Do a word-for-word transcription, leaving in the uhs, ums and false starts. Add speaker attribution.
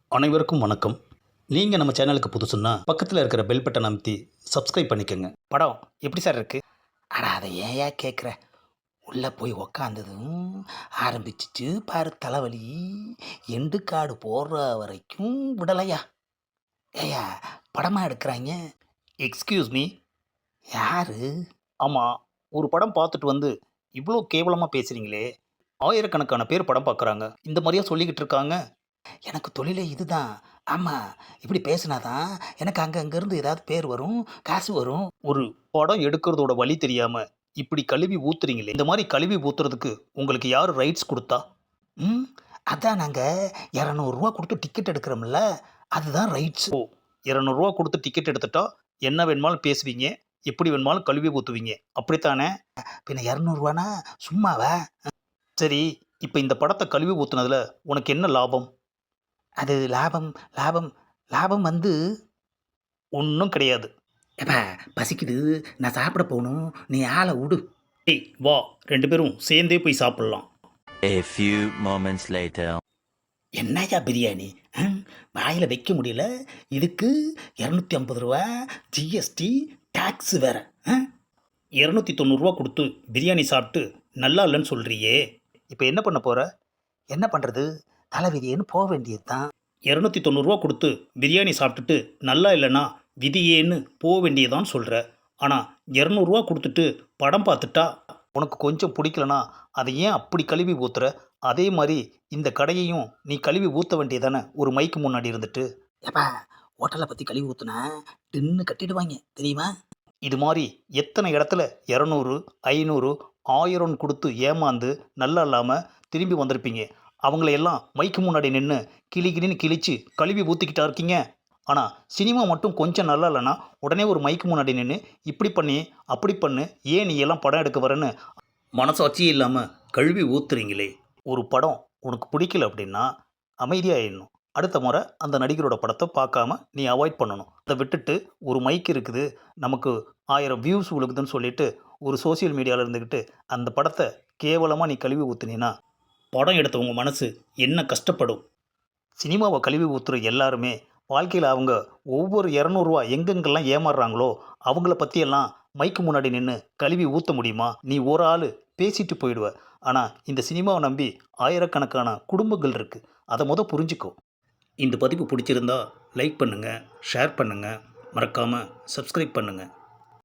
Speaker 1: அனைவருக்கும் வணக்கம். நீங்கள் நம்ம சேனலுக்கு புதுசுன்னா பக்கத்தில் இருக்கிற பெல் பட்டனை அமைத்தி சப்ஸ்கிரைப் பண்ணிக்கோங்க.
Speaker 2: படம் எப்படி சார் இருக்கு? அட அதை ஏயா கேட்குற? உள்ளே போய் உக்காந்ததும் ஆரம்பிச்சிச்சு பாரு தலைவலி. எண்டு காடு போடுற வரைக்கும் விடலையா? ஏயா படமாக எடுக்கிறாங்க?
Speaker 1: Excuse me.
Speaker 2: யாரு?
Speaker 1: ஆமாம், ஒரு படம் பார்த்துட்டு வந்து இவ்வளோ கேவலமாக பேசுகிறீங்களே. ஆயிரக்கணக்கான பேர் படம் பார்க்குறாங்க, இந்த மாதிரியா சொல்லிக்கிட்டு இருக்காங்க?
Speaker 2: எனக்கு தொழிலே இதுதான். ஆமாம், இப்படி பேசுனாதான் எனக்கு அங்கே அங்கேருந்து ஏதாவது பேர் வரும், காசு வரும்.
Speaker 1: ஒரு படம் எடுக்கிறதோட வழி தெரியாமல் இப்படி கழுவி ஊத்துறீங்களே. இந்த மாதிரி கழுவி ஊத்துறதுக்கு உங்களுக்கு யார் ரைட்ஸ் கொடுத்தா?
Speaker 2: ம் அதான் நாங்கள் இரநூறுவா கொடுத்து டிக்கெட் எடுக்கிறோம்ல, அதுதான் ரைட்ஸ்.
Speaker 1: ஓ, இரநூறுவா கொடுத்து டிக்கெட் எடுத்துட்டா என்ன வேணுமாலும் பேசுவீங்க, எப்படி வேணுமாலும் கழுவி ஊற்றுவீங்க, அப்படித்தானே?
Speaker 2: பின்ன இரநூறுவானா சும்மாவா?
Speaker 1: சரி, இப்போ இந்த படத்தை கழுவி ஊற்றுனதுல உனக்கு என்ன லாபம்?
Speaker 2: அது லாபம் லாபம் லாபம் வந்து
Speaker 1: ஒன்றும் கிடையாது.
Speaker 2: ஏப்பா பசிக்குது, நான் சாப்பிட போகணும், நீ ஆளை விடு.
Speaker 1: ஏய் வா, ரெண்டு பேரும் சேர்ந்தே போய் சாப்பிட்லாம்.
Speaker 3: A few moments later.
Speaker 2: என்னய்யா பிரியாணி? வாயில் வைக்க முடியல, இதுக்கு இரநூத்தி ஐம்பது ரூபா ஜிஎஸ்டி டேக்ஸ் வேற.
Speaker 1: இரநூத்தி தொண்ணூறுரூவா கொடுத்து பிரியாணி சாப்பிட்டு நல்லா இல்லைன்னு சொல்கிறியே, இப்போ என்ன பண்ண போகிற?
Speaker 2: என்ன பண்ணுறது, தலைவிதியேன்னு போக வேண்டியது தான்.
Speaker 1: இரநூத்தி தொண்ணூறுரூவா கொடுத்து பிரியாணி சாப்பிட்டுட்டு நல்லா இல்லைன்னா விதியேன்னு போக வேண்டியதான்னு சொல்கிற. ஆனால் இரநூறுவா கொடுத்துட்டு படம் பார்த்துட்டா உனக்கு கொஞ்சம் பிடிக்கலனா அதை ஏன் அப்படி கழுவி ஊற்றுற? அதே மாதிரி இந்த கடையையும் நீ கழுவி ஊற்ற வேண்டியதானே ஒரு மைக்கு முன்னாடி இருந்துட்டு.
Speaker 2: ஏப்பா ஹோட்டலை பற்றி கழுவி ஊற்றுனா டின்னு கட்டிடுவாங்க தெரியுமா?
Speaker 1: இது மாதிரி எத்தனை இடத்துல இரநூறு ஐநூறு ஆயிரம் கொடுத்து ஏமாந்து நல்லா இல்லாமல் திரும்பி வந்திருப்பீங்க. அவங்களையெல்லாம் மைக்கு முன்னாடி நின்று கிளி கிளின்னு கிழிச்சு கழுவி ஊற்றிக்கிட்டா இருக்கீங்க. ஆனால் சினிமா மட்டும் கொஞ்சம் நல்லா இல்லைன்னா உடனே ஒரு மைக்கு முன்னாடி நின்று இப்படி பண்ணி அப்படி பண்ணு, ஏன் நீ எல்லாம் படம் எடுக்க வரேன்னு மனசாட்சியே இல்லாமல் கழுவி ஊத்துறீங்களே. ஒரு படம் உனக்கு பிடிக்கல அப்படின்னா அமைதியாகிடணும். அடுத்த முறை அந்த நடிகரோட படத்தை பார்க்காம நீ அவாய்ட் பண்ணணும். அதை விட்டுட்டு ஒரு மைக் இருக்குது, நமக்கு ஆயிரம் வியூஸ் விழுகுதுன்னு சொல்லிட்டு ஒரு சோசியல் மீடியாவில் இருந்துக்கிட்டு அந்த படத்தை கேவலமாக நீ கழுவி ஊற்றுனீன்னா படம் எடுத்தவங்க மனசு என்ன கஷ்டப்படும்? சினிமாவை கழுவி ஊற்றுற எல்லாருமே வாழ்க்கையில் அவங்க ஒவ்வொரு இரநூறுவா எங்கெங்கெல்லாம் ஏமாறுறாங்களோ அவங்கள பற்றியெல்லாம் மைக்கு முன்னாடி நின்று கழுவி ஊற்ற முடியுமா? நீ ஒரு ஆள் பேசிட்டு போயிடுவ. ஆனால் இந்த சினிமாவை நம்பி ஆயிரக்கணக்கான குடும்பங்கள் இருக்குது. அதை மொதல் புரிஞ்சுக்கோ. இந்த பதிவு பிடிச்சிருந்தா லைக் பண்ணுங்கள், ஷேர் பண்ணுங்கள், மறக்காமல் சப்ஸ்கிரைப் பண்ணுங்கள்.